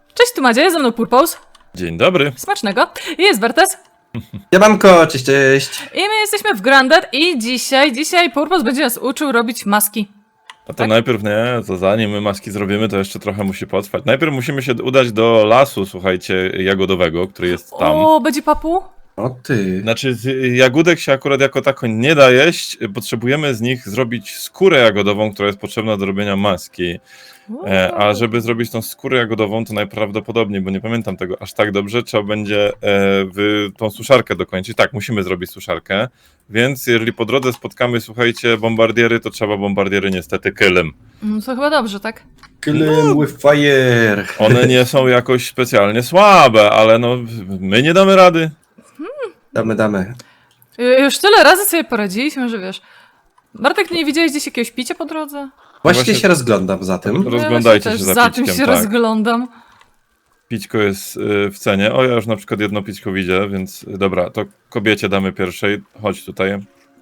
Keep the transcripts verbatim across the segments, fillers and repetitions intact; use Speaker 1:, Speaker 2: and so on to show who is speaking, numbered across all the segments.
Speaker 1: Cześć, tu Madzia, jest ze mną Purpose.
Speaker 2: Dzień dobry.
Speaker 1: Smacznego. Jest Bertes.
Speaker 3: Siemanko, cześć, cześć.
Speaker 1: I my jesteśmy w Grounded i dzisiaj, dzisiaj Purpose będzie nas uczył robić maski.
Speaker 2: A to
Speaker 1: Tak?
Speaker 2: najpierw nie, to zanim my maski zrobimy, to jeszcze trochę musi potrwać. Najpierw musimy się udać do lasu, słuchajcie, jagodowego, który jest tam.
Speaker 1: O, będzie papu?
Speaker 3: O ty.
Speaker 2: Znaczy, z jagódek się akurat jako tako nie da jeść. Potrzebujemy z nich zrobić skórę jagodową, która jest potrzebna do robienia maski. E, a żeby zrobić tą skórę jagodową, to najprawdopodobniej, bo nie pamiętam tego aż tak dobrze, trzeba będzie e, w tą suszarkę dokończyć. Tak, musimy zrobić suszarkę, więc jeżeli po drodze spotkamy, słuchajcie, bombardiery, to trzeba bombardiery niestety kylem.
Speaker 1: Mm, to chyba dobrze, tak?
Speaker 3: Kill with fire.
Speaker 2: One nie są jakoś specjalnie słabe, ale no, my nie damy rady.
Speaker 3: Damy, damy.
Speaker 1: Y, Już tyle razy sobie poradziliśmy, że wiesz. Bartek, nie widziałeś gdzieś jakiegoś picia po drodze?
Speaker 3: Właśnie,
Speaker 2: Właśnie-
Speaker 3: się rozglądam za tym.
Speaker 2: Roz- Rozglądajcie
Speaker 1: Ja właśnie
Speaker 2: się
Speaker 1: też
Speaker 2: za
Speaker 1: za tym
Speaker 2: pićkiem,
Speaker 1: się
Speaker 2: tak.
Speaker 1: rozglądam.
Speaker 2: Pićko jest y, w cenie. O, ja już na przykład jedno pićko widzę, więc y, dobra, to kobiecie damy pierwszej. Chodź tutaj.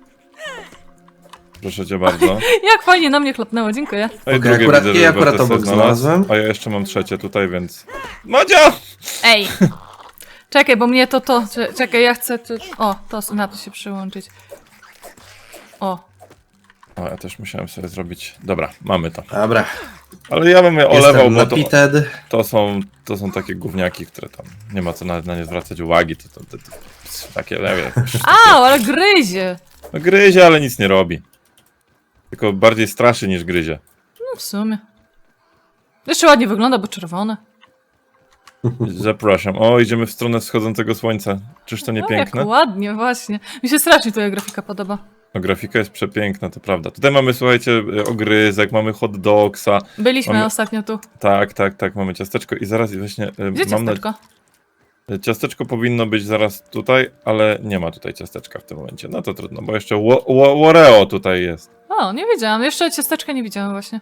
Speaker 2: Proszę cię bardzo.
Speaker 1: Jak fajnie na mnie chlapnęło, dziękuję.
Speaker 2: No i
Speaker 3: Okej,
Speaker 2: drugie
Speaker 3: akurat-
Speaker 2: widzę,
Speaker 3: i
Speaker 2: że
Speaker 3: akurat
Speaker 2: Bertes
Speaker 3: obok
Speaker 2: sobie znalazł.
Speaker 3: znalazłem.
Speaker 2: A ja jeszcze mam trzecie tutaj, więc... Madzia!
Speaker 1: Ej! Czekaj, bo mnie to to... cze- Czekaj, ja chcę... To, o, to na to się przyłączyć. O.
Speaker 2: O, ja też musiałem sobie zrobić... Dobra, mamy to.
Speaker 3: Dobra.
Speaker 2: Ale ja bym je olewał,
Speaker 3: Jestem
Speaker 2: bo to,
Speaker 3: napited.
Speaker 2: to, są, to są takie gówniaki, które tam... Nie ma co na, na nie zwracać uwagi. To, to, to, to, takie, nie wiem...
Speaker 1: Au, ale gryzie!
Speaker 2: No gryzie, ale nic nie robi. Tylko bardziej straszy niż gryzie.
Speaker 1: No w sumie. Jeszcze ładnie wygląda, bo czerwone.
Speaker 2: Zapraszam. O, idziemy w stronę wschodzącego słońca. Czyż to nie
Speaker 1: No,
Speaker 2: piękne?
Speaker 1: jak ładnie, właśnie. Mi się strasznie twoja grafika podoba.
Speaker 2: No, grafika jest przepiękna, to prawda. Tutaj mamy, słuchajcie, ogryzek, mamy hot dogsa.
Speaker 1: Byliśmy
Speaker 2: Mamy-
Speaker 1: ostatnio tu.
Speaker 2: Tak, tak, tak, mamy ciasteczko i zaraz właśnie... e,
Speaker 1: Gdzie
Speaker 2: mam na-
Speaker 1: ciasteczko?
Speaker 2: Ciasteczko powinno być zaraz tutaj, ale nie ma tutaj ciasteczka w tym momencie. No to trudno, bo jeszcze wo- wo- Oreo tutaj jest.
Speaker 1: O, nie wiedziałam. Jeszcze ciasteczka nie widziałam właśnie.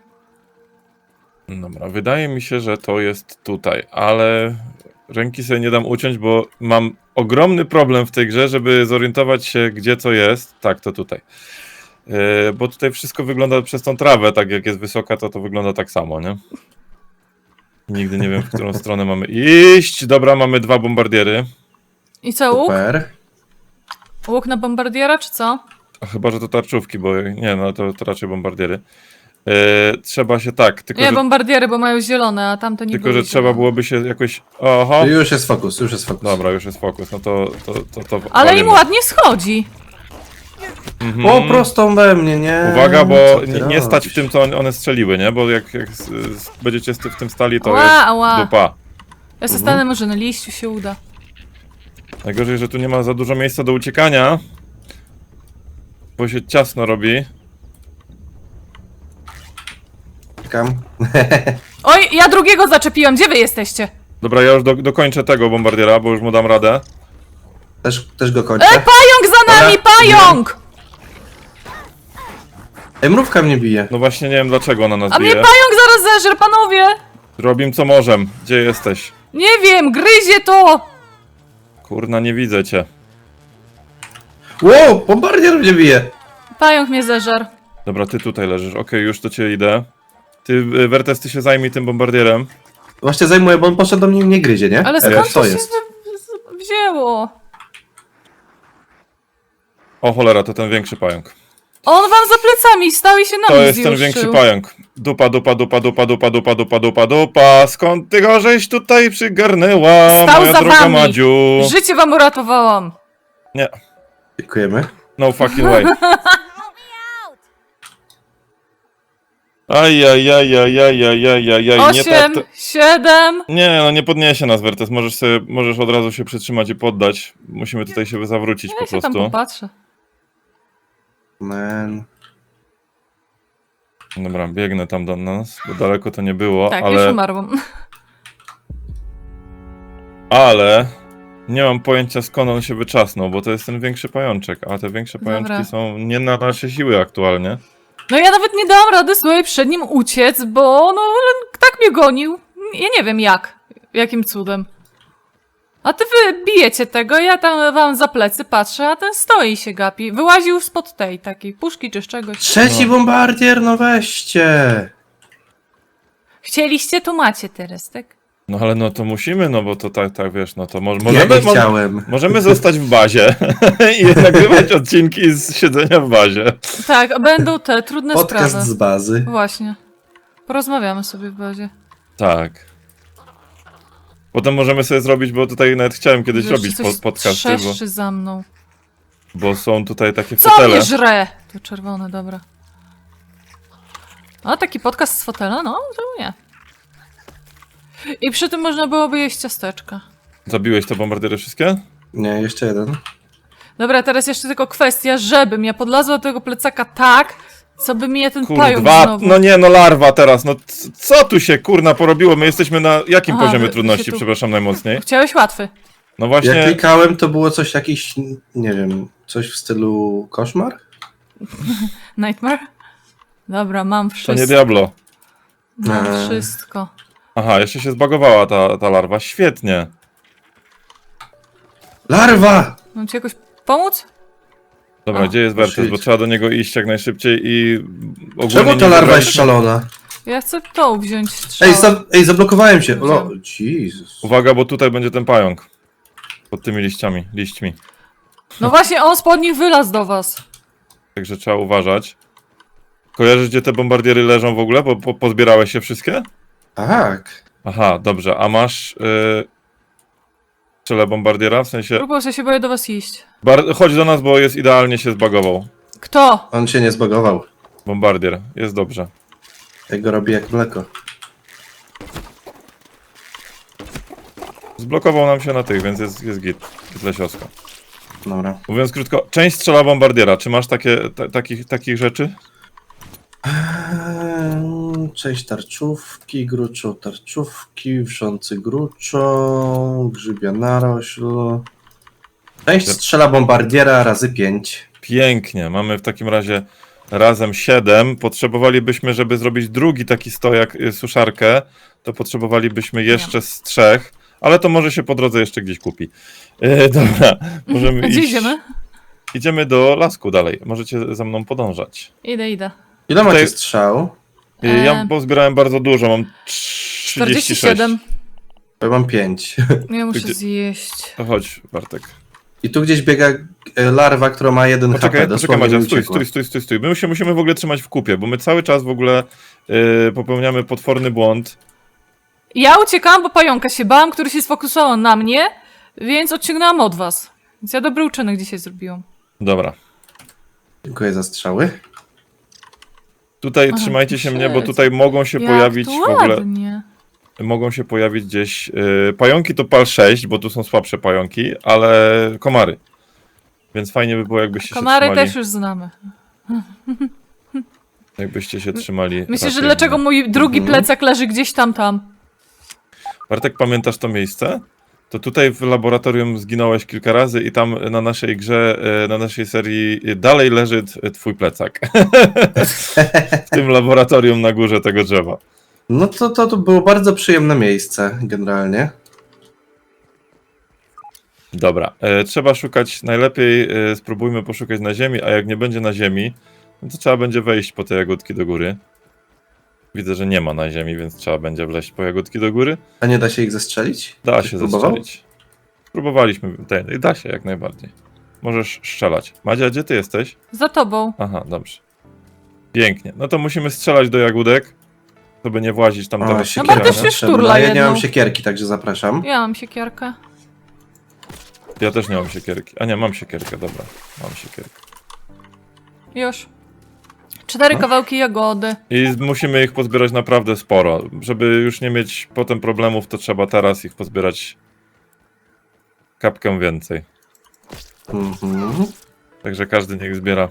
Speaker 2: Dobra, wydaje mi się, że to jest tutaj, ale ręki sobie nie dam uciąć, bo mam ogromny problem w tej grze, żeby zorientować się, gdzie co jest. Tak, to tutaj. Yy, bo tutaj wszystko wygląda przez tą trawę, tak jak jest wysoka, to to wygląda tak samo, nie? Nigdy nie wiem, w którą stronę mamy iść. Dobra, mamy dwa bombardiery.
Speaker 1: I co, łuk?
Speaker 3: Super.
Speaker 1: Łuk na bombardiera, czy co?
Speaker 2: A chyba, że to tarczówki, bo nie, no to, to raczej bombardiery. Yy, trzeba się tak, tylko,
Speaker 1: Nie,
Speaker 2: że,
Speaker 1: bombardiery, bo mają zielone, a tamte nie
Speaker 2: tylko
Speaker 1: były
Speaker 2: że trzeba
Speaker 1: zielone.
Speaker 2: byłoby się jakoś... Oho!
Speaker 3: Już jest fokus, już jest fokus.
Speaker 2: Dobra, już jest fokus, no to... to, to, to
Speaker 1: Ale im
Speaker 2: walimy.
Speaker 1: ładnie schodzi.
Speaker 2: Mhm.
Speaker 3: O, prostą we mnie, nie?
Speaker 2: Uwaga, bo
Speaker 3: Co ty
Speaker 2: nie, nie stać
Speaker 3: robisz?
Speaker 2: w tym, co one strzeliły, nie? Bo jak, jak s- s- będziecie w tym stali, to
Speaker 1: Ła,
Speaker 2: jest
Speaker 1: ła.
Speaker 2: dupa.
Speaker 1: Ja
Speaker 2: Mhm.
Speaker 1: se stanę, może na liściu się uda.
Speaker 2: Najgorzej, że tu nie ma za dużo miejsca do uciekania. Bo się ciasno robi.
Speaker 3: Czekam.
Speaker 1: Oj, ja drugiego zaczepiłem, gdzie wy jesteście?
Speaker 2: Dobra, ja już do, dokończę tego bombardiera, bo już mu dam radę.
Speaker 3: Też, też go kończę.
Speaker 1: E, pająk za nami,
Speaker 3: Dobra.
Speaker 1: pająk!
Speaker 3: Ej, mrówka mnie bije.
Speaker 2: No właśnie nie wiem, dlaczego ona nas
Speaker 1: A mnie
Speaker 2: bije.
Speaker 1: pająk zaraz zeżre, panowie!
Speaker 2: Robim co możem. Gdzie jesteś?
Speaker 1: Nie wiem, gryzie to!
Speaker 2: Kurna, nie widzę cię.
Speaker 3: Wow, bombardier mnie bije.
Speaker 1: Pająk mnie zeżar.
Speaker 2: Dobra, ty tutaj leżysz. Okej, już do ciebie idę. Ty, y, Wertes, ty się zajmij tym bombardierem.
Speaker 3: Właśnie zajmuję, bo on poszedł do mnie i mnie gryzie, nie?
Speaker 1: Ale
Speaker 3: Ej,
Speaker 1: skąd
Speaker 3: co
Speaker 1: to się
Speaker 3: jest?
Speaker 1: wy- z- wzięło?
Speaker 2: O cholera, to ten większy pająk.
Speaker 1: On wam za plecami stał i się na
Speaker 2: To
Speaker 1: mnie
Speaker 2: jest ten
Speaker 1: zjuszył.
Speaker 2: większy pająk. Dupa, dupa, dupa, dupa, dupa, dupa, dupa, dupa, dupa. Skąd ty go żeś tutaj przygarnęła,
Speaker 1: Stał
Speaker 2: moja
Speaker 1: za
Speaker 2: droga
Speaker 1: wami.
Speaker 2: Madziu?
Speaker 1: Życie wam uratowałam.
Speaker 2: Nie,
Speaker 3: Dziękujemy.
Speaker 2: no fucking way. Aj, aj, aj, aj, aj, aj, aj, aj, aj, nie tak
Speaker 1: Osiem,
Speaker 2: to...
Speaker 1: siedem.
Speaker 2: Nie, no nie podniesie nas, Wertes. Możesz sobie, możesz od razu się przytrzymać i poddać. Musimy tutaj się zawrócić
Speaker 1: Ja
Speaker 2: po
Speaker 1: się tam
Speaker 2: prostu.
Speaker 1: popatrzę.
Speaker 3: Man.
Speaker 2: Dobra, biegnę tam do nas, bo daleko to nie było,
Speaker 1: Tak, już
Speaker 2: ale...
Speaker 1: umarłam.
Speaker 2: Ale... Nie mam pojęcia, skąd on się wyczasnął, bo to jest ten większy pajączek, a te większe
Speaker 1: Dobra.
Speaker 2: pajączki są nie na nasze siły aktualnie.
Speaker 1: No ja nawet nie dałam rady sobie przed nim uciec, bo no tak mnie gonił. Ja nie wiem jak. Jakim cudem. A ty wy bijecie tego, ja tam wam za plecy patrzę, a ten stoi i się gapi. Wyłaził spod tej takiej puszki czy z czegoś.
Speaker 3: Trzeci bombardier, no weźcie.
Speaker 1: Chcieliście, tu macie teraz, tak?
Speaker 2: No ale no to musimy, no bo to tak, tak wiesz, no to mo
Speaker 3: Ja
Speaker 2: możemy,
Speaker 3: nie
Speaker 2: mo
Speaker 3: chciałem.
Speaker 2: możemy zostać w bazie i nagrywać odcinki z siedzenia w bazie.
Speaker 1: Tak, a będą te trudne
Speaker 3: Podcast
Speaker 1: sprawy.
Speaker 3: z bazy.
Speaker 1: Właśnie. Porozmawiamy sobie w bazie.
Speaker 2: Tak. Potem możemy sobie zrobić, bo tutaj nawet chciałem kiedyś
Speaker 1: Jeszcze
Speaker 2: robić
Speaker 1: coś
Speaker 2: po podcasty, bo,
Speaker 1: trzeszczy za mną.
Speaker 2: bo są tutaj takie
Speaker 1: Co
Speaker 2: fotele.
Speaker 1: mnie żre? To czerwone, dobra. A taki podcast z fotela? No, czemu nie? I przy tym można byłoby jeść ciasteczka.
Speaker 2: Zabiłeś te bombardiery wszystkie?
Speaker 3: Nie, jeszcze jeden.
Speaker 1: Dobra, teraz jeszcze tylko kwestia, żebym ja podlazła do tego plecaka tak, co by mnie ten pająk
Speaker 2: Kurwa,
Speaker 1: znowu...
Speaker 2: no nie, no larwa teraz, no c- co tu się kurna porobiło? My jesteśmy na jakim
Speaker 1: Aha,
Speaker 2: poziomie
Speaker 1: wy- wy
Speaker 2: trudności,
Speaker 1: się tu-
Speaker 2: przepraszam najmocniej?
Speaker 1: Chciałeś łatwy.
Speaker 2: No
Speaker 3: Jak
Speaker 2: właśnie,
Speaker 3: klikałem, to było coś jakiś, nie wiem, coś w stylu koszmar?
Speaker 1: Nightmare? Dobra, mam
Speaker 2: to
Speaker 1: wszystko.
Speaker 2: nie Diablo.
Speaker 1: Mam
Speaker 3: Eee.
Speaker 1: wszystko.
Speaker 2: Aha, jeszcze się zbagowała ta, ta larwa, świetnie.
Speaker 3: Larwa!
Speaker 1: Mam ci jakoś pomóc?
Speaker 2: Dobra,
Speaker 1: A,
Speaker 2: gdzie jest Wertes,
Speaker 3: shit.
Speaker 2: bo trzeba do niego iść jak najszybciej i ogólnie
Speaker 3: Czemu
Speaker 2: nie
Speaker 3: ta larwa
Speaker 2: wybrać-
Speaker 3: jest szalona?
Speaker 1: Ja chcę tą wziąć strzał.
Speaker 3: Ej, za, ej zablokowałem się. No,
Speaker 1: Wziąłem.
Speaker 3: Jezus.
Speaker 2: Uwaga, bo tutaj będzie ten pająk. Pod tymi liściami, liśćmi.
Speaker 1: No właśnie, on spod nich wylazł do was.
Speaker 2: Także trzeba uważać. Kojarzysz, gdzie te bombardiery leżą w ogóle? Bo po, pozbierałeś się wszystkie?
Speaker 3: Tak.
Speaker 2: Aha, dobrze, a masz... Yy... Strzelę bombardiera, w sensie...
Speaker 1: Próbuję, że się boję do was iść.
Speaker 2: Bar chodź do nas, bo jest idealnie się zbagował.
Speaker 1: Kto?
Speaker 3: On się nie zbagował.
Speaker 2: Bombardier, jest dobrze.
Speaker 3: Jak go robi jak mleko.
Speaker 2: Zblokował nam się na tych, więc jest, jest git. Git lesiosko.
Speaker 3: Dobra.
Speaker 2: Mówiąc krótko, część strzela bombardiera. Czy masz takie, ta, takich, takich rzeczy?
Speaker 3: Eee, Cześć tarczówki, gruczo tarczówki, wrzący gruczo, grzybia narośl. Część strzela bombardiera razy pięć.
Speaker 2: Pięknie. Mamy w takim razie razem siedem. Potrzebowalibyśmy, żeby zrobić drugi taki stojak, y, suszarkę, to potrzebowalibyśmy jeszcze z trzech, ale to może się po drodze jeszcze gdzieś kupi. Yy, dobra, możemy
Speaker 1: A gdzie
Speaker 2: iść.
Speaker 1: idziemy?
Speaker 2: Idziemy do lasku dalej. Możecie za mną podążać.
Speaker 1: Idę, idę.
Speaker 3: Ile
Speaker 2: Tutaj-
Speaker 3: macie strzał?
Speaker 2: Yy, Ja
Speaker 1: Eee.
Speaker 2: pozbierałem bardzo dużo, mam trzydzieści sześć.
Speaker 1: czterdzieści siedem.
Speaker 3: Ja mam pięć.
Speaker 1: Ja muszę
Speaker 2: Gdzie-
Speaker 1: zjeść.
Speaker 2: To chodź, Bartek.
Speaker 3: I tu gdzieś biega e, larwa, która ma jeden
Speaker 2: Poczekaj,
Speaker 3: H P.
Speaker 2: poczekaj
Speaker 3: Dosłownie
Speaker 2: Madzia,
Speaker 3: mi
Speaker 2: stój,
Speaker 3: uciekła.
Speaker 2: stój, stój, stój, stój. My się musimy w ogóle trzymać w kupie, bo my cały czas w ogóle yy, popełniamy potworny błąd.
Speaker 1: Ja uciekałam, bo pająka się bałam, który się sfokusował na mnie, więc odciągnęłam od was. Więc ja dobry uczynek dzisiaj zrobiłam.
Speaker 2: Dobra.
Speaker 3: Dziękuję za strzały.
Speaker 2: Tutaj
Speaker 1: Aha,
Speaker 2: trzymajcie się
Speaker 1: shit.
Speaker 2: mnie, bo tutaj mogą się
Speaker 1: Jak
Speaker 2: pojawić
Speaker 1: tu
Speaker 2: w ogóle.
Speaker 1: ładnie.
Speaker 2: Mogą się pojawić gdzieś. Yy, pająki to pal sześć, bo tu są słabsze pająki, ale komary. Więc fajnie by było, jakbyście
Speaker 1: Komary
Speaker 2: się trzymali.
Speaker 1: też już znamy.
Speaker 2: Jakbyście się trzymali.
Speaker 1: Myślisz, że
Speaker 2: raczej
Speaker 1: dlaczego
Speaker 2: mnie.
Speaker 1: mój drugi
Speaker 3: Mhm.
Speaker 1: plecak leży gdzieś tam, tam?
Speaker 2: Bartek, pamiętasz to miejsce? To tutaj w laboratorium zginąłeś kilka razy i tam na naszej grze, e, na naszej serii dalej leży t- twój plecak. W tym laboratorium na górze tego drzewa.
Speaker 3: No to, to, to było bardzo przyjemne miejsce, generalnie.
Speaker 2: Dobra, e, trzeba szukać, najlepiej e, spróbujmy poszukać na ziemi, a jak nie będzie na ziemi, no to trzeba będzie wejść po te jagódki do góry. Widzę, że nie ma na ziemi, więc trzeba będzie wleźć po jagódki do góry.
Speaker 3: A nie da się ich zestrzelić?
Speaker 2: Da
Speaker 3: Ktoś
Speaker 2: się
Speaker 3: próbował?
Speaker 2: zestrzelić. Próbowaliśmy, ten, i da się jak najbardziej. Możesz strzelać. Madzia, gdzie ty jesteś?
Speaker 1: Za tobą.
Speaker 2: Aha, dobrze. Pięknie. No to musimy strzelać do jagódek, żeby nie włazić tam
Speaker 3: O,
Speaker 2: do
Speaker 1: No
Speaker 3: siekiera
Speaker 1: Bartek się
Speaker 3: potrzebna.
Speaker 1: szturla
Speaker 3: Ja nie mam
Speaker 1: jedną.
Speaker 3: siekierki, także zapraszam.
Speaker 1: Ja mam siekierkę.
Speaker 2: Ja też nie mam siekierki. A nie, mam siekierkę, dobra. Mam siekierkę.
Speaker 1: Już. Cztery
Speaker 3: No.
Speaker 1: kawałki jagody.
Speaker 2: I musimy ich pozbierać naprawdę sporo. Żeby już nie mieć potem problemów, to trzeba teraz ich pozbierać kapkę więcej.
Speaker 3: Mhm.
Speaker 2: Także każdy niech zbiera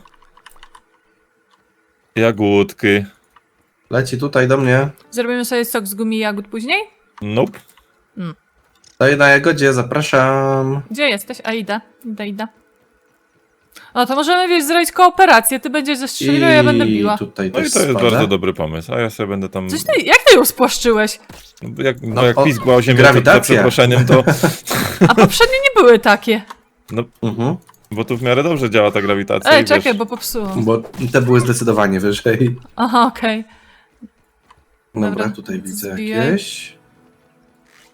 Speaker 2: jagódki.
Speaker 3: Leci tutaj do mnie.
Speaker 1: Zrobimy sobie sok z gumi jagód później?
Speaker 2: Nope.
Speaker 3: Stoję na jagodzie, zapraszam.
Speaker 1: Gdzie jesteś? A idę, idę, idę. No to możemy, wiesz, zrobić kooperację. Ty będziesz zestrzeliła, ja będę biła.
Speaker 3: tutaj
Speaker 2: No i
Speaker 3: też
Speaker 2: to jest
Speaker 3: spada.
Speaker 2: bardzo dobry pomysł. A ja sobie będę tam.
Speaker 1: Coś ty, jak ty ją spłaszczyłeś?
Speaker 2: Jak, no,
Speaker 3: No,
Speaker 2: jak
Speaker 3: o,
Speaker 2: pizgła o ziemię za- za
Speaker 3: grawitacja.
Speaker 2: przeproszeniem, to.
Speaker 1: A poprzednie nie były takie.
Speaker 2: No,
Speaker 3: Mhm.
Speaker 2: bo tu w miarę dobrze działa ta grawitacja.
Speaker 1: Ej,
Speaker 2: i
Speaker 1: czekaj,
Speaker 2: wiesz,
Speaker 1: bo popsułam.
Speaker 3: Bo te były zdecydowanie wyżej.
Speaker 1: Aha, okej.
Speaker 3: Dobra,
Speaker 1: Dobra,
Speaker 3: tutaj widzę
Speaker 1: zbijaj.
Speaker 3: jakieś.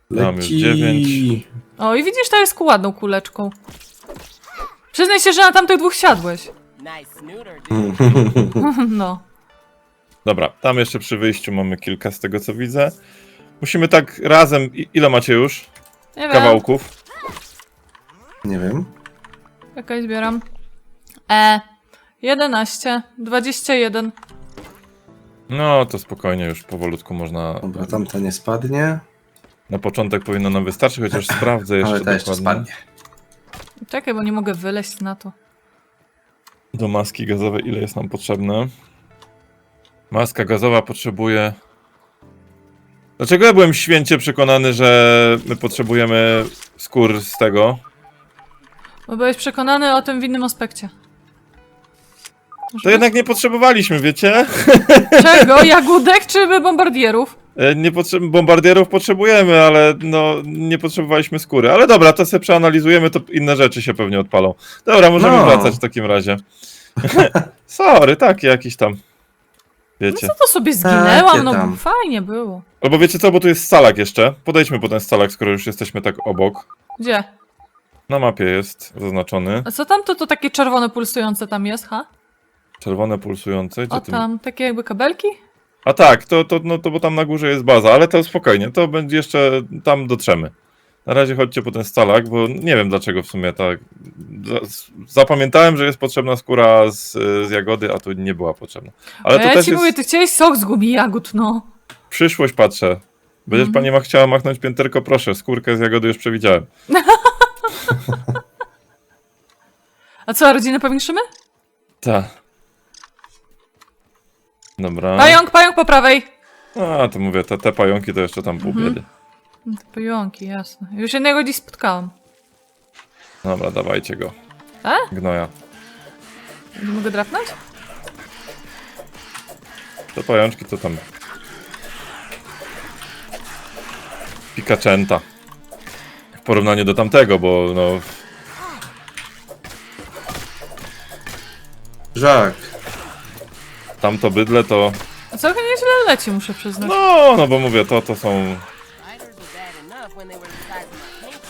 Speaker 2: Mam już
Speaker 3: Leci.
Speaker 2: dziewięć.
Speaker 1: O, i widzisz, to jest ładną kuleczką. Przyznaj się, że na tamtych dwóch siadłeś.
Speaker 4: Nice snooter, dude.
Speaker 1: No.
Speaker 2: Dobra, tam jeszcze przy wyjściu mamy kilka z tego co widzę. Musimy tak razem... I- Ile macie już
Speaker 1: Nie wiem.
Speaker 2: kawałków?
Speaker 3: Nie wiem.
Speaker 1: Jakaś zbieram. E. jedenaście. dwadzieścia jeden.
Speaker 2: No to spokojnie, już powolutku można...
Speaker 3: Dobra, tamta nie spadnie,
Speaker 2: Na początek powinno nam wystarczyć, chociaż sprawdzę jeszcze
Speaker 3: ale ta jeszcze
Speaker 2: dokładnie.
Speaker 3: spadnie.
Speaker 1: Czekaj, bo nie mogę wyleźć na to.
Speaker 2: Do maski gazowej ile jest nam potrzebne? Maska gazowa potrzebuje... Dlaczego ja byłem święcie przekonany, że my potrzebujemy skór z tego?
Speaker 1: Bo byłeś przekonany o tym w innym aspekcie. Może
Speaker 2: To jednak nie potrzebowaliśmy, wiecie?
Speaker 1: Czego? Jagódek czy bombardierów?
Speaker 2: E, Nie potrze- bombardierów potrzebujemy, ale no nie potrzebowaliśmy skóry. Ale dobra, to sobie przeanalizujemy, to inne rzeczy się pewnie odpalą. Dobra, możemy
Speaker 3: No.
Speaker 2: wracać w takim razie. Sorry, takie jakieś tam. Wiecie.
Speaker 1: Co to sobie zginęłam?
Speaker 3: Takie
Speaker 1: No
Speaker 3: tam.
Speaker 1: fajnie było.
Speaker 2: Albo wiecie co, bo tu jest scalak jeszcze. Podejdźmy po ten scalak, skoro już jesteśmy tak obok.
Speaker 1: Gdzie?
Speaker 2: Na mapie jest zaznaczony.
Speaker 1: A co tam to, to takie czerwone pulsujące tam jest, ha?
Speaker 2: Czerwone pulsujące. Gdzie
Speaker 1: O
Speaker 2: ty-
Speaker 1: tam, takie jakby kabelki?
Speaker 2: A tak, to, to, no, to bo tam na górze jest baza, ale to spokojnie, to będzie jeszcze, tam dotrzemy. Na razie chodźcie po ten scalak, bo nie wiem dlaczego w sumie tak. za- Zapamiętałem, że jest potrzebna skóra z, z jagody, a tu nie była potrzebna. Ale
Speaker 1: A
Speaker 2: to
Speaker 1: ja
Speaker 2: też
Speaker 1: ci
Speaker 2: jest
Speaker 1: mówię, ty chciałeś sok z gubi jagód, no.
Speaker 2: przyszłość, patrzę. Będziesz
Speaker 1: Mhm.
Speaker 2: pani ma chciała machnąć pięterko, proszę, skórkę z jagody już przewidziałem.
Speaker 1: A co, rodzinę powiększymy?
Speaker 2: Tak. Dobra.
Speaker 1: Pająk, pająk po prawej!
Speaker 2: A, to mówię, te, te pająki to jeszcze tam pół
Speaker 1: Mhm.
Speaker 2: biedy.
Speaker 1: No to pająki, jasne. Już jednego dziś spotkałam.
Speaker 2: Dobra, dawajcie go.
Speaker 1: A?
Speaker 2: Gnoja.
Speaker 1: Nie mogę drapnąć?
Speaker 2: Te pajączki to tam... Pikaczęta. W porównaniu do tamtego, bo no...
Speaker 3: Żak.
Speaker 2: Tamto bydle to...
Speaker 1: A całkiem nieźle leci, muszę przyznać.
Speaker 2: No, no bo mówię, to to są...
Speaker 4: Spiders were bad enough when they were the size of my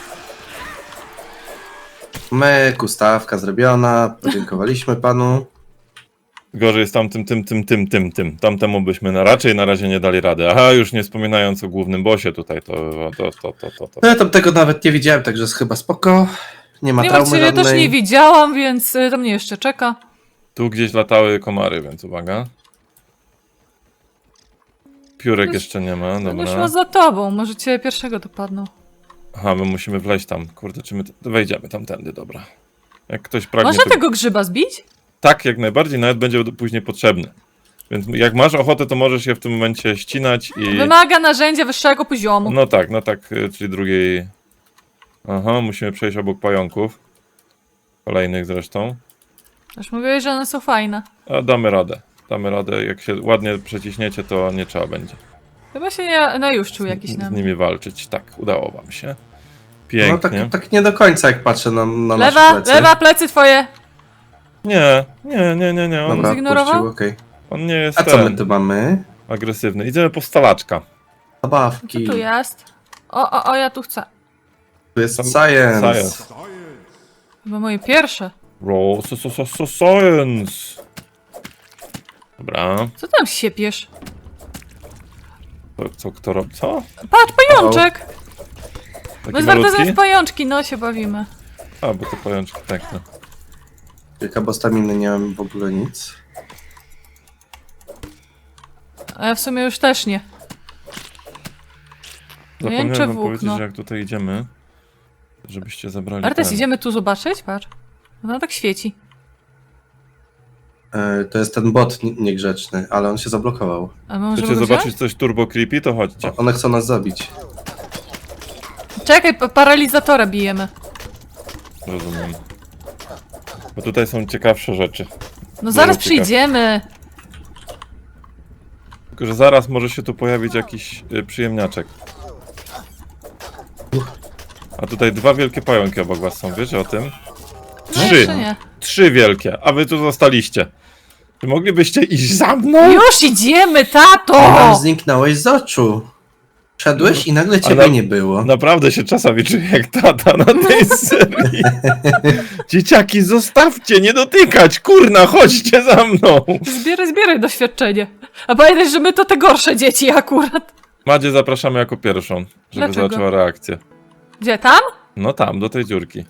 Speaker 4: pinky.
Speaker 3: Myk, ustawka zrobiona, podziękowaliśmy panu.
Speaker 2: Gorzej jest tamtym, tym, tym, tym, tym, tym. Tamtemu byśmy na, raczej na razie nie dali rady. Aha, już nie wspominając o głównym bossie tutaj, to... to, to, to, to, to.
Speaker 3: No ja tam tego nawet nie widziałem, także jest chyba spoko. Nie ma
Speaker 1: Nie
Speaker 3: traumy
Speaker 1: martw się, ja też
Speaker 3: żadnej.
Speaker 1: nie widziałam, więc y, to mnie jeszcze czeka.
Speaker 2: Tu gdzieś latały komary, więc uwaga. Piórek
Speaker 1: Już-
Speaker 2: jeszcze nie ma,
Speaker 1: Będę
Speaker 2: dobra.
Speaker 1: szła za tobą, może cię pierwszego dopadną.
Speaker 2: Aha, my musimy wleźć tam. Kurde, czy my t- wejdziemy tamtędy, dobra. Jak ktoś pragnie...
Speaker 1: Można
Speaker 2: to-
Speaker 1: tego grzyba zbić?
Speaker 2: Tak, jak najbardziej, nawet będzie do- później potrzebny. Więc jak masz ochotę, to możesz je w tym momencie ścinać i...
Speaker 1: Wymaga narzędzia wyższego poziomu.
Speaker 2: No tak, no tak, y, czyli drugiej... Aha, musimy przejść obok pająków. Kolejnych zresztą.
Speaker 1: Już mówiłeś, że one są fajne.
Speaker 2: A damy radę. Damy radę, jak się ładnie przeciśniecie, to nie trzeba będzie
Speaker 1: Chyba się nie najuszczył jakiś
Speaker 2: z
Speaker 1: nam.
Speaker 2: nimi walczyć. Tak, udało wam się.
Speaker 3: No
Speaker 2: Pięknie.
Speaker 3: tak, tak nie do końca, jak patrzę na, na
Speaker 1: Lewa,
Speaker 3: nasze plecy.
Speaker 1: lewa, plecy twoje!
Speaker 2: Nie, nie, nie, nie, nie. On,
Speaker 3: Dobra,
Speaker 1: zignorował?
Speaker 3: puścił, okej.
Speaker 2: on nie jest
Speaker 3: A co my
Speaker 2: ten,
Speaker 3: tu mamy?
Speaker 2: agresywny. Idziemy po stalaczka.
Speaker 1: Co
Speaker 3: Zabawki.
Speaker 1: tu jest? O, o, o, ja tu chcę.
Speaker 3: Tu jest
Speaker 2: Tam-
Speaker 3: science.
Speaker 2: Science.
Speaker 1: Chyba moje pierwsze.
Speaker 2: Roll, so, so, so, so, science. Dobra.
Speaker 1: Co tam siepiesz?
Speaker 2: To, co, kto robi? Co?
Speaker 1: Patrz, pajączek!
Speaker 2: Taki
Speaker 1: Bez warto
Speaker 2: malutki?
Speaker 1: z pajączki, no się bawimy.
Speaker 2: A, bo to pajączki, tak. No.
Speaker 3: Kilka, bo staminy nie mam w ogóle nic.
Speaker 1: A ja w sumie już też nie.
Speaker 2: Zapomniałem
Speaker 1: Miękcze
Speaker 2: wam powiedzieć,
Speaker 1: włókno.
Speaker 2: że jak tutaj idziemy, żebyście zabrali
Speaker 1: Artes,
Speaker 2: ten.
Speaker 1: idziemy tu zobaczyć? Patrz. No tak świeci.
Speaker 3: E, to jest ten bot nie- niegrzeczny, ale on się zablokował.
Speaker 1: A my możemy
Speaker 2: Chcecie
Speaker 1: go
Speaker 2: zobaczyć
Speaker 1: wziąć?
Speaker 2: coś turbo creepy, to chodźcie.
Speaker 3: O, one chcą nas zabić.
Speaker 1: Czekaj, pa- paralizatora bijemy.
Speaker 2: Rozumiem. Bo tutaj są ciekawsze rzeczy.
Speaker 1: No zaraz
Speaker 2: ciekaw.
Speaker 1: przyjdziemy.
Speaker 2: Tylko, że zaraz może się tu pojawić jakiś y, przyjemniaczek. A tutaj dwa wielkie pająki obok was są, wiecie o tym?
Speaker 1: No
Speaker 2: Trzy!
Speaker 1: jeszcze nie.
Speaker 2: Trzy wielkie, a wy tu zostaliście. Czy moglibyście iść za mną?
Speaker 1: Już idziemy,
Speaker 3: Nam
Speaker 1: tato!
Speaker 3: zniknąłeś z oczu. Szedłeś i nagle ciebie
Speaker 2: Ale-
Speaker 3: nie było.
Speaker 2: Naprawdę się czasami czuję jak tata na tej serii. Dzieciaki, zostawcie, nie dotykać, kurna, chodźcie za mną.
Speaker 1: Zbieraj, zbieraj doświadczenie. A pamiętaj, że my to te gorsze dzieci akurat.
Speaker 2: Madzie zapraszamy jako pierwszą, żeby
Speaker 1: Dlaczego?
Speaker 2: zobaczyła reakcję.
Speaker 1: Gdzie, tam?
Speaker 2: No tam, do tej dziurki.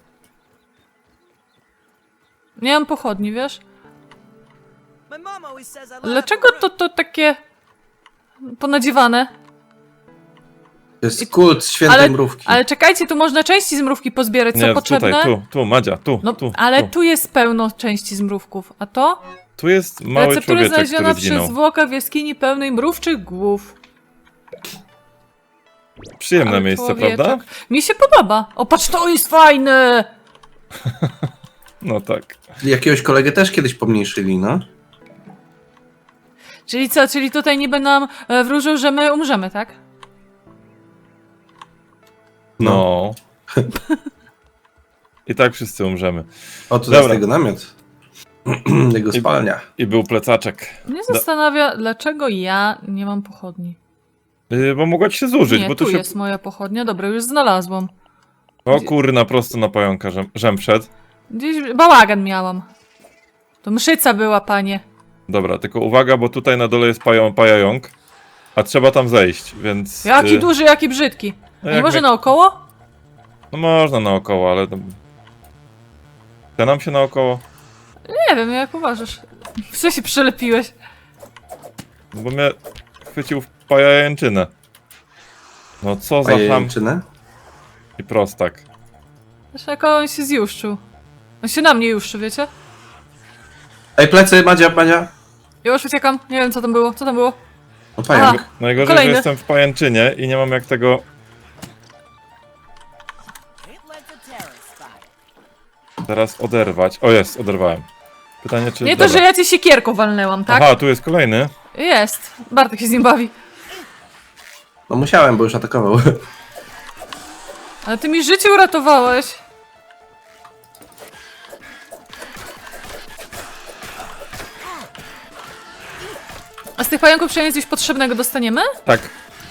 Speaker 1: Nie mam pochodni, wiesz?
Speaker 4: My mom always says I laugh
Speaker 1: Dlaczego to, to takie ponadziewane?
Speaker 3: To jest kult świętej
Speaker 1: Ale,
Speaker 3: mrówki.
Speaker 1: ale czekajcie, tu można części z mrówki pozbierać, co
Speaker 2: Nie,
Speaker 1: potrzebne.
Speaker 2: tutaj, tu, tu, Madzia, tu,
Speaker 1: No,
Speaker 2: tu,
Speaker 1: ale
Speaker 2: tu.
Speaker 1: tu jest pełno części z mrówków, a to?
Speaker 2: Tu jest mały
Speaker 1: Receptura
Speaker 2: człowieczek,
Speaker 1: znaleziona
Speaker 2: który
Speaker 1: przy
Speaker 2: zginął.
Speaker 1: zwłokach w jaskini pełnej mrówczych głów.
Speaker 2: Przyjemne
Speaker 1: Ale
Speaker 2: miejsce,
Speaker 1: człowieczek.
Speaker 2: prawda?
Speaker 1: Mi się podoba. O, patrz, to jest fajne!
Speaker 2: No tak.
Speaker 3: Jakiegoś kolegę też kiedyś pomniejszyli, no.
Speaker 1: Czyli co, czyli tutaj niby nam e, wróżył, że my umrzemy, tak?
Speaker 2: No. I tak wszyscy umrzemy.
Speaker 3: O, tu
Speaker 2: Dobra.
Speaker 3: jest jego namiot. Jego
Speaker 2: I-
Speaker 3: spalnia.
Speaker 2: I był plecaczek.
Speaker 1: Mnie zastanawia, dlaczego ja nie mam pochodni.
Speaker 2: Yy, bo mogła ci się zużyć,
Speaker 1: Nie,
Speaker 2: bo
Speaker 1: tu
Speaker 2: tu się...
Speaker 1: jest moja pochodnia. Dobra, już znalazłam.
Speaker 2: O kurna, prosto na pająka żem, żem wszedł.
Speaker 1: Gdzieś bałagan miałam. To mszyca była, panie.
Speaker 2: Dobra, tylko uwaga, bo tutaj na dole jest pają, pajająk, a trzeba tam zejść, więc...
Speaker 1: Jaki
Speaker 2: yy,
Speaker 1: duży, jaki brzydki.
Speaker 2: no
Speaker 1: A nie
Speaker 2: jak
Speaker 1: może
Speaker 2: mnie-
Speaker 1: naokoło?
Speaker 2: No można naokoło, ale... tam- Chce nam się naokoło?
Speaker 1: Nie wiem, jak uważasz. Co się przylepiłeś?
Speaker 2: No bo mnie chwycił w pajęczynę. No co za ham
Speaker 3: Pajęczynę?
Speaker 2: i prostak.
Speaker 1: Zresztą jak on się zjuszczył. On się na mnie juszczy, wiecie?
Speaker 3: Ej, plecy, Madzia, Madzia.
Speaker 1: Już uciekam. Nie wiem, co tam było. Co tam było?
Speaker 3: O, pająk.
Speaker 1: Aha.
Speaker 2: Najgorzej,
Speaker 1: Kolejny.
Speaker 2: że jestem w pajęczynie i nie mam jak tego...
Speaker 4: Ain't like a terrorist spot.
Speaker 2: teraz oderwać. O jest, oderwałem. Pytanie czy...
Speaker 1: Nie to,
Speaker 2: dobra.
Speaker 1: że ja cię siekierką walnęłam, tak?
Speaker 2: Aha, tu jest kolejny.
Speaker 1: Jest. Bartek się z nim bawi.
Speaker 3: No musiałem, bo już atakował.
Speaker 1: Ale ty mi życie uratowałeś. A z tych pająków przynajmniej coś potrzebnego dostaniemy?
Speaker 2: Tak.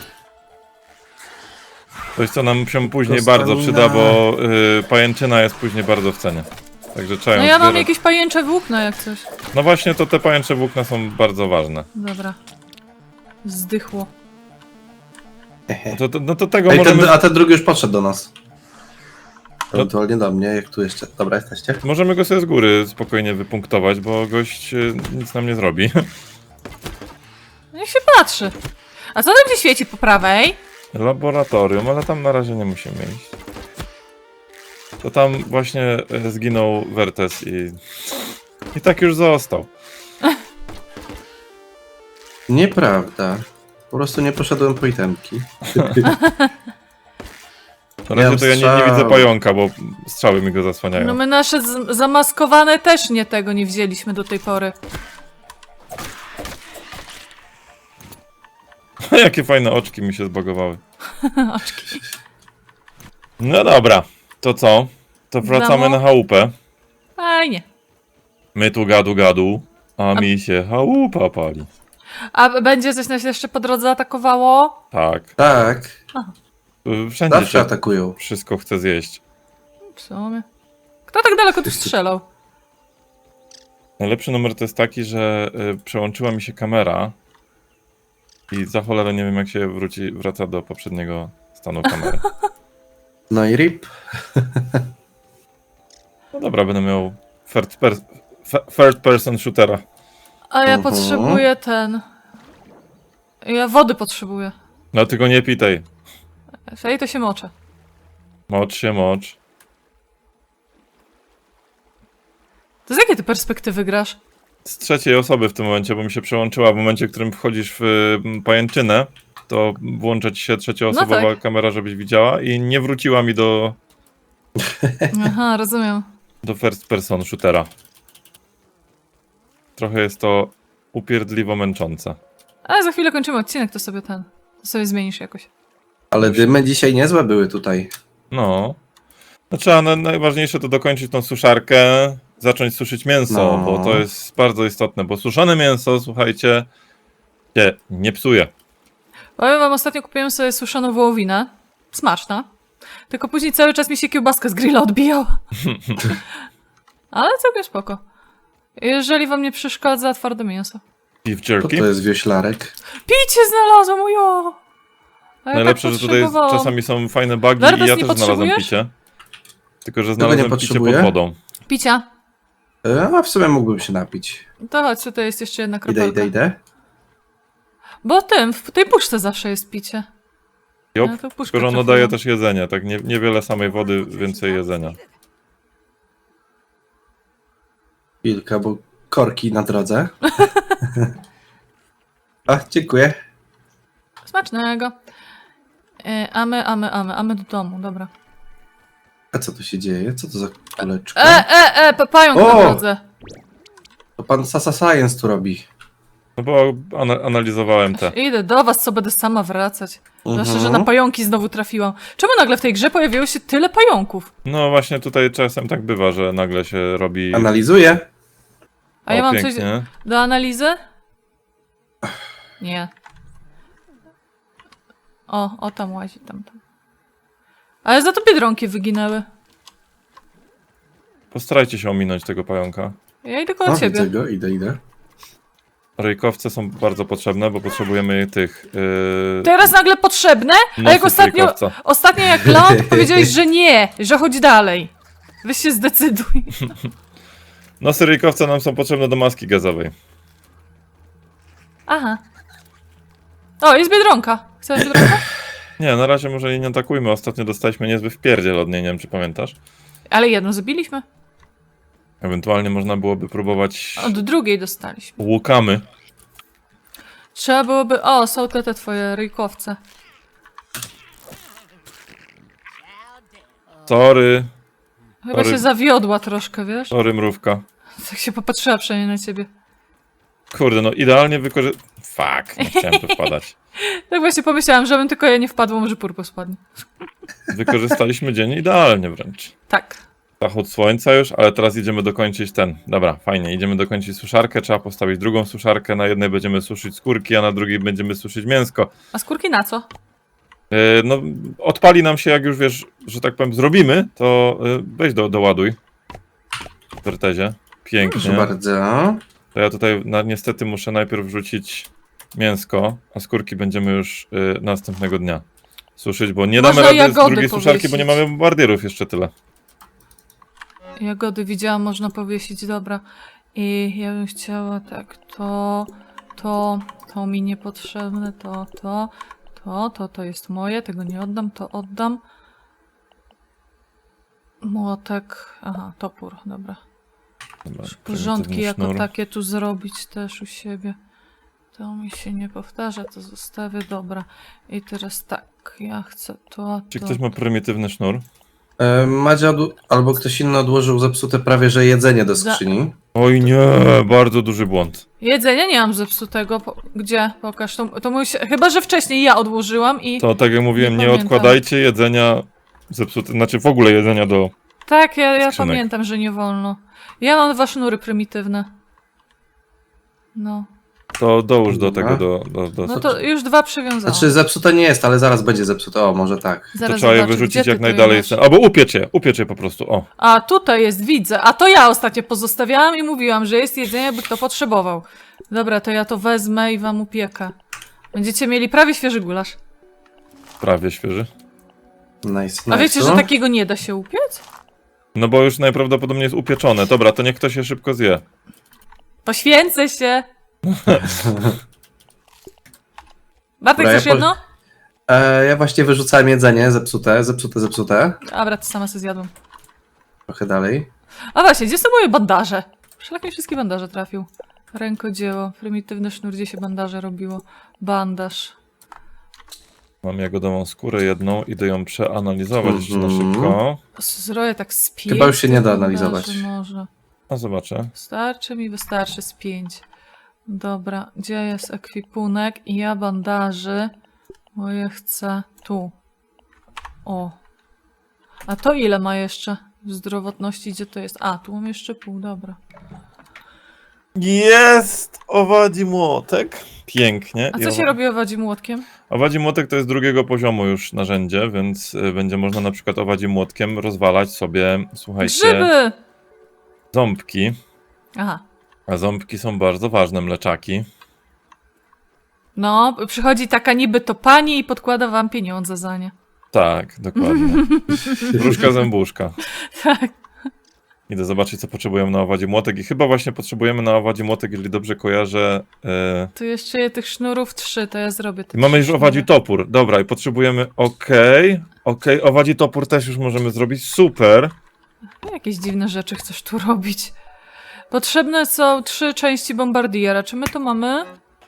Speaker 2: Coś co nam się później
Speaker 3: Dostamina.
Speaker 2: bardzo przyda, bo y, pajęczyna jest później bardzo w cenie. Także trzeba ją
Speaker 1: No ja mam
Speaker 2: zbierać.
Speaker 1: jakieś pajęcze włókna jak coś.
Speaker 2: No właśnie, to te pajęcze włókna są bardzo ważne.
Speaker 1: Dobra. Zdychło.
Speaker 2: No to, to, no to tego
Speaker 3: Ej,
Speaker 2: możemy,
Speaker 3: ten, a ten drugi już podszedł do nas.
Speaker 2: No-
Speaker 3: Ewentualnie do mnie, jak tu jeszcze. Dobra, jesteście?
Speaker 2: możemy go sobie z góry spokojnie wypunktować, bo gość y, nic nam nie zrobi.
Speaker 1: Niech się patrzy. A co tam się świeci po prawej?
Speaker 2: Laboratorium, ale tam na razie nie musimy iść. To tam właśnie e, zginął Wertes i... I tak już został.
Speaker 3: Nieprawda. Po prostu nie poszedłem po itemki.
Speaker 2: Na razie to ja nie, nie
Speaker 3: strzał.
Speaker 2: widzę pająka, bo strzały mi go zasłaniają.
Speaker 1: No my nasze z- zamaskowane też nie tego nie wzięliśmy do tej pory.
Speaker 2: Jakie fajne oczki mi się zbagowały.
Speaker 1: Oczki.
Speaker 2: No dobra, to co? To wracamy
Speaker 1: Domu?
Speaker 2: na chałupę.
Speaker 1: Fajnie.
Speaker 2: My tu gadu gadu, a mi się chałupa pali.
Speaker 1: A będzie coś nas jeszcze po drodze atakowało?
Speaker 2: Tak.
Speaker 3: Tak.
Speaker 2: Y, Wszędzie
Speaker 3: Zawsze
Speaker 2: się
Speaker 3: atakują.
Speaker 2: wszystko chce zjeść.
Speaker 1: W sumie. Kto tak daleko tu strzelał?
Speaker 2: Najlepszy numer to jest taki, że y, przełączyła mi się kamera i za cholerę nie wiem jak się wróci, wraca do poprzedniego stanu kamery.
Speaker 3: No i rip.
Speaker 2: No dobra, będę miał third, per f- third person shootera.
Speaker 1: A ja
Speaker 3: Mhm.
Speaker 1: potrzebuję ten... Ja wody potrzebuję.
Speaker 2: No tylko nie pitej.
Speaker 1: Ej, to się moczę.
Speaker 2: Mocz się, mocz.
Speaker 1: To z jakiej ty perspektywy grasz?
Speaker 2: Z trzeciej osoby w tym momencie, bo mi się przełączyła w momencie, w którym wchodzisz w y, pajęczynę, to włącza ci się trzecioosobowa
Speaker 1: No tak.
Speaker 2: kamera, żebyś widziała i nie wróciła mi do,
Speaker 1: Aha, rozumiem.
Speaker 2: do first person shootera. Trochę jest to upierdliwo męczące.
Speaker 1: Ale za chwilę kończymy odcinek, to sobie ten... To sobie zmienisz jakoś.
Speaker 3: Ale dymy dzisiaj niezłe były tutaj.
Speaker 2: No. No trzeba, na, najważniejsze to dokończyć tą suszarkę, zacząć suszyć mięso,
Speaker 3: No.
Speaker 2: bo to jest bardzo istotne, bo suszone mięso, słuchajcie, się nie psuje.
Speaker 1: Powiem wam, ostatnio kupiłem sobie suszoną wołowinę. Smaczna. Tylko później cały czas mi się kiełbaska z grilla odbijała. Ale całkiem spoko. Jeżeli wam nie przeszkadza twarde mięso.
Speaker 2: Beef
Speaker 3: Co
Speaker 2: jerky.
Speaker 3: to jest wioślarek?
Speaker 1: Picie znalazłam, ujo! A ja
Speaker 2: Najlepsze,
Speaker 1: tak
Speaker 2: że tutaj
Speaker 1: potrzebowałam.
Speaker 2: czasami są fajne bugi
Speaker 1: Wertes,
Speaker 2: i ja
Speaker 1: nie
Speaker 2: też znalazłem
Speaker 1: potrzebujesz?
Speaker 2: picie. Tylko, że
Speaker 3: nie
Speaker 2: znalazłem picie pod
Speaker 3: potrzebuję?
Speaker 2: wodą.
Speaker 1: Picia.
Speaker 3: E, A w sumie mógłbym się napić.
Speaker 1: To chodź, tutaj jest jeszcze jedna
Speaker 3: Idę,
Speaker 1: kropelka.
Speaker 3: idę, idę.
Speaker 1: Bo tym, w tej puszce zawsze jest picie.
Speaker 2: Jop,
Speaker 1: Ja to puszkę
Speaker 2: tylko że ono
Speaker 1: trafiłam.
Speaker 2: daje też jedzenie, tak nie, niewiele samej wody, więcej jedzenia.
Speaker 3: Chwilkę, bo korki na drodze. Ach, dziękuję.
Speaker 1: Smacznego. E, a my, a my, a my, a my do domu, dobra.
Speaker 3: A co tu się dzieje? Co to za kuleczka?
Speaker 1: E, e, e, pa- pająk na
Speaker 3: O!
Speaker 1: drodze.
Speaker 3: To pan Sasa Science tu robi.
Speaker 2: No bo ana analizowałem te.
Speaker 1: Idę do was, co będę sama wracać. Zwłaszcza, że
Speaker 3: Mhm.
Speaker 1: na pająki znowu trafiłam. Czemu nagle w tej grze pojawiło się tyle pająków?
Speaker 2: No właśnie tutaj czasem tak bywa, że nagle się robi...
Speaker 3: Analizuję.
Speaker 1: A ja
Speaker 2: o,
Speaker 1: mam
Speaker 2: pięknie.
Speaker 1: coś do analizy? Nie. O, o tam łazi, tam, tam. Ale za to biedronki wyginęły.
Speaker 2: Postarajcie się ominąć tego pająka.
Speaker 1: Ja idę koło
Speaker 3: O,
Speaker 1: ciebie.
Speaker 3: widzę go, idę, idę.
Speaker 2: Rejkowce są bardzo potrzebne, bo potrzebujemy tych... Yy...
Speaker 1: Teraz nagle potrzebne? A
Speaker 2: nosów
Speaker 1: jak ostatnio,
Speaker 2: rejkowca.
Speaker 1: ostatnio jak ląd, to powiedziałeś, że nie, że chodź dalej. Weź się zdecyduj.
Speaker 2: Nosy rejkowca nam są potrzebne do maski gazowej.
Speaker 1: Aha. O, jest biedronka. Chcesz biedronkę?
Speaker 2: Nie, na razie może jej nie atakujmy. Ostatnio dostaliśmy niezły wpierdziel od niej, nie wiem czy pamiętasz.
Speaker 1: Ale jedną zabiliśmy.
Speaker 2: Ewentualnie można byłoby próbować
Speaker 1: Od drugiej dostaliśmy.
Speaker 2: łukamy.
Speaker 1: Trzeba byłoby... O, są te, te twoje ryjkowce.
Speaker 2: Sorry,
Speaker 1: Chyba
Speaker 2: Sorry.
Speaker 1: się zawiodła troszkę, wiesz?
Speaker 2: sorry mrówka.
Speaker 1: Tak się popatrzyła przynajmniej na ciebie.
Speaker 2: Kurde, no idealnie wykorzy... Fuck, nie chciałem tu wpadać.
Speaker 1: Tak właśnie pomyślałam, żebym tylko ja nie wpadła, może purpo spadnie.
Speaker 2: Wykorzystaliśmy dzień idealnie wręcz.
Speaker 1: Tak.
Speaker 2: Zachód słońca już, ale teraz idziemy dokończyć ten. Dobra, fajnie, idziemy dokończyć suszarkę, trzeba postawić drugą suszarkę, na jednej będziemy suszyć skórki, a na drugiej będziemy suszyć mięsko.
Speaker 1: A skórki na co?
Speaker 2: Yy, no, odpali nam się, jak już wiesz, że tak powiem, zrobimy, to yy, weź do, doładuj. W wertezie. Pięknie.
Speaker 3: Proszę bardzo.
Speaker 2: To ja tutaj na, niestety muszę najpierw wrzucić mięsko, a skórki będziemy już yy, następnego dnia suszyć, bo nie
Speaker 1: Można
Speaker 2: damy rady z
Speaker 1: jagody
Speaker 2: drugiej suszarki, bo nie
Speaker 1: powiesić.
Speaker 2: mamy bombardierów jeszcze tyle.
Speaker 1: Jagody widziałam, można powiesić, dobra. I ja bym chciała tak, to, to, to mi niepotrzebne, to, to, to, to, to jest moje, tego nie oddam, to oddam. Młotek, aha, topór, dobra.
Speaker 2: Dobra,
Speaker 1: Porządki
Speaker 2: prymitywny
Speaker 1: jako
Speaker 2: sznur.
Speaker 1: takie tu zrobić też u siebie. To mi się nie powtarza, to zostawię, dobra. I teraz tak, ja chcę to,
Speaker 2: Czy
Speaker 1: to.
Speaker 2: ktoś ma prymitywny sznur?
Speaker 3: E, Madzia odł- albo ktoś inny odłożył zepsute prawie że jedzenie do
Speaker 1: Za-
Speaker 3: skrzyni.
Speaker 2: Oj nie, bardzo duży błąd.
Speaker 1: Jedzenia nie mam zepsutego. Po... Gdzie? Pokaż. To, to mój... się- Chyba, że wcześniej ja odłożyłam i...
Speaker 2: To tak jak mówiłem,
Speaker 1: Nie
Speaker 2: nie,
Speaker 1: pamiętam.
Speaker 2: odkładajcie jedzenia zepsute, znaczy w ogóle jedzenia do...
Speaker 1: Tak, ja, ja
Speaker 2: Skrzynek.
Speaker 1: pamiętam, że nie wolno. Ja mam dwa sznury prymitywne. No.
Speaker 2: To dołóż do
Speaker 3: Dobra.
Speaker 2: tego, do... do, do
Speaker 1: No to już dwa przywiązałam.
Speaker 3: Znaczy zepsute nie jest, ale zaraz będzie zepsute. O, może tak.
Speaker 2: to
Speaker 1: Zaraz
Speaker 2: trzeba je
Speaker 1: zobaczę,
Speaker 2: wyrzucić
Speaker 1: gdzie ty
Speaker 2: jak
Speaker 1: to
Speaker 2: najdalej.
Speaker 1: masz?
Speaker 2: Jest. Albo upiecie, upiecie po prostu, o.
Speaker 1: A tutaj jest, widzę. A to ja ostatnio pozostawiałam i mówiłam, że jest jedzenie, by kto potrzebował. Dobra, to ja to wezmę i wam upiekę. Będziecie mieli prawie świeży gulasz.
Speaker 2: Prawie świeży.
Speaker 3: Nice,
Speaker 1: A wiecie,
Speaker 3: nice.
Speaker 1: że takiego nie da się upiec?
Speaker 2: No bo już najprawdopodobniej jest upieczone. Dobra, to niech ktoś się szybko zje.
Speaker 1: Poświęcę się. Bartek,
Speaker 3: Dobra, ja
Speaker 1: chcesz
Speaker 3: po-
Speaker 1: jedno?
Speaker 3: E, ja właśnie wyrzucałem jedzenie zepsute, zepsute, zepsute.
Speaker 1: Dobra, to sama sobie zjadłam.
Speaker 3: Trochę dalej.
Speaker 1: A właśnie, gdzie są moje bandaże? Szlak mi wszystkie bandaże trafił. Rękodzieło, prymitywny sznur, gdzie się bandaże robiło. Bandaż.
Speaker 2: Mam jagodową skórę jedną, idę ją przeanalizować jeszcze na
Speaker 3: Mhm.
Speaker 2: szybko.
Speaker 1: Zroję tak z pięć.
Speaker 3: Chyba już się nie da
Speaker 1: bandaży
Speaker 3: analizować.
Speaker 1: Może.
Speaker 2: A zobaczę.
Speaker 1: Starczy mi, wystarczy z pięć. Dobra, gdzie jest ekwipunek? I ja bandaży moje chcę tu. O. A to ile ma jeszcze w zdrowotności? Gdzie to jest? A, tu mam jeszcze pół, dobra.
Speaker 2: Jest owadzi młotek. Pięknie.
Speaker 1: A
Speaker 2: I
Speaker 1: co się
Speaker 2: owa-
Speaker 1: robi owadzi młotkiem?
Speaker 2: Owadzi młotek to jest drugiego poziomu już narzędzie, więc y, będzie można na przykład owadzi młotkiem rozwalać sobie, słuchajcie,
Speaker 1: Grzyby!
Speaker 2: ząbki.
Speaker 1: Aha.
Speaker 2: A ząbki są bardzo ważne, mleczaki.
Speaker 1: No, przychodzi taka niby to pani i podkłada wam pieniądze za nie.
Speaker 2: Tak, dokładnie. Wróżka zębuszka.
Speaker 1: Tak.
Speaker 2: Idę zobaczyć, co potrzebujemy na owadzie młotek i chyba właśnie potrzebujemy na owadzie młotek, jeżeli dobrze kojarzę. e,
Speaker 1: Tu jeszcze je tych sznurów trzy, to ja zrobię te
Speaker 2: Mamy już
Speaker 1: trzy
Speaker 2: owadzi
Speaker 1: sznury.
Speaker 2: topór. Dobra, i potrzebujemy. Okej, okej, owadzi topór też już możemy zrobić. Super.
Speaker 1: Jakieś dziwne rzeczy chcesz tu robić. Potrzebne są trzy części bombardiera. Czy my to mamy?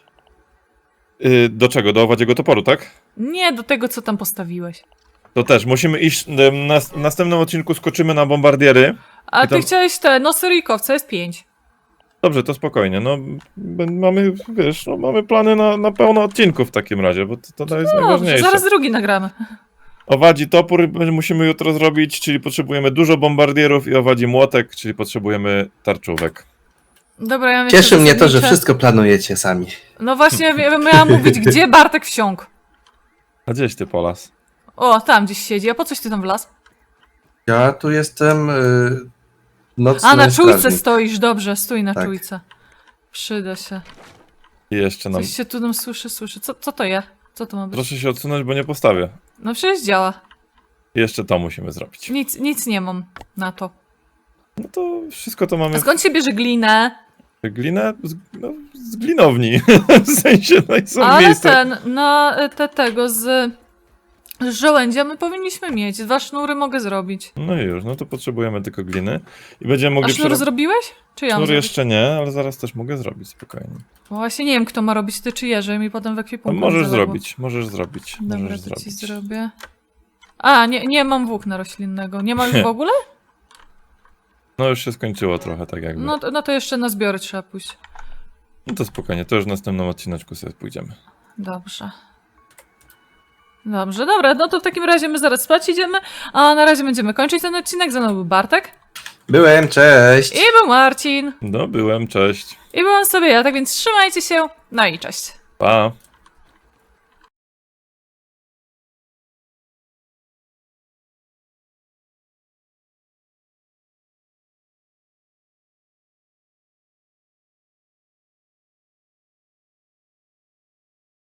Speaker 2: Y, do czego? Do owadziego toporu, tak?
Speaker 1: Nie, do tego, co tam postawiłeś.
Speaker 2: To też. Musimy iść. em, Na, w następnym odcinku skoczymy na bombardiery.
Speaker 1: A
Speaker 2: I tam-
Speaker 1: ty chciałeś te nosy rykowca, jest pięć.
Speaker 2: Dobrze, to spokojnie. No, b- mamy, wiesz, no, mamy plany na, na pełno odcinków w takim razie, bo to, to jest
Speaker 1: No,
Speaker 2: najważniejsze.
Speaker 1: zaraz drugi nagramy.
Speaker 2: Owadzi topór b- musimy jutro zrobić, czyli potrzebujemy dużo bombardierów i owadzi młotek, czyli potrzebujemy tarczówek.
Speaker 1: Dobra, ja myślę,
Speaker 3: Cieszy mnie to, że
Speaker 1: zasadnicze-
Speaker 3: wszystko planujecie sami.
Speaker 1: No właśnie, ja miałam mówić, gdzie Bartek wsiąkł.
Speaker 2: A gdzieś ty, Polas?
Speaker 1: O, tam gdzieś siedzi. A po coś ty tam wlazł?
Speaker 3: Ja tu jestem y, nocny
Speaker 1: A, na czujce
Speaker 3: strażnik.
Speaker 1: stoisz, dobrze, stój na
Speaker 3: Tak.
Speaker 1: czujce. Przyda się.
Speaker 2: I jeszcze nam...
Speaker 1: Coś się tu nam słyszy, słyszy. Co, co to jest? Co to ma być?
Speaker 2: Proszę się odsunąć, bo nie postawię.
Speaker 1: No przecież działa.
Speaker 2: I jeszcze to musimy zrobić.
Speaker 1: Nic, nic nie mam na to.
Speaker 2: No to wszystko to
Speaker 1: A
Speaker 2: mamy
Speaker 1: skąd się bierze glinę?
Speaker 2: w glinę, z, no, z glinowni. W sensie, no i są
Speaker 1: Ale
Speaker 2: miejsca.
Speaker 1: ten, na y, te, tego z, z żołędzia my powinniśmy mieć. Dwa sznury mogę zrobić.
Speaker 2: No i już, no to potrzebujemy tylko gliny. I będziemy
Speaker 1: A
Speaker 2: mogli
Speaker 1: sznur
Speaker 2: przero-
Speaker 1: zrobiłeś? Czy ja mam
Speaker 2: Sznur
Speaker 1: zrobić?
Speaker 2: jeszcze nie, ale zaraz też mogę zrobić, spokojnie.
Speaker 1: Bo właśnie nie wiem, kto ma robić, ty czy Jerzy, mi potem w
Speaker 2: No,
Speaker 1: ekwipunku
Speaker 2: możesz
Speaker 1: zaległo.
Speaker 2: zrobić, możesz zrobić.
Speaker 1: Dobra,
Speaker 2: możesz
Speaker 1: to
Speaker 2: zrobić.
Speaker 1: ci zrobię. A, nie, nie mam włókna roślinnego. Nie ma już w ogóle?
Speaker 2: No już się skończyło trochę tak jakby.
Speaker 1: No to, no to jeszcze na zbiory trzeba pójść.
Speaker 2: No to spokojnie, to już w następnym odcineczku sobie pójdziemy.
Speaker 1: Dobrze. Dobrze, dobra, no to w takim razie my zaraz spać idziemy, a na razie będziemy kończyć ten odcinek. Ze mną był Bartek
Speaker 3: Byłem, cześć!
Speaker 1: i był Marcin
Speaker 2: No byłem, cześć.
Speaker 1: i byłam sobie ja, tak więc trzymajcie się, no i cześć.
Speaker 2: Pa.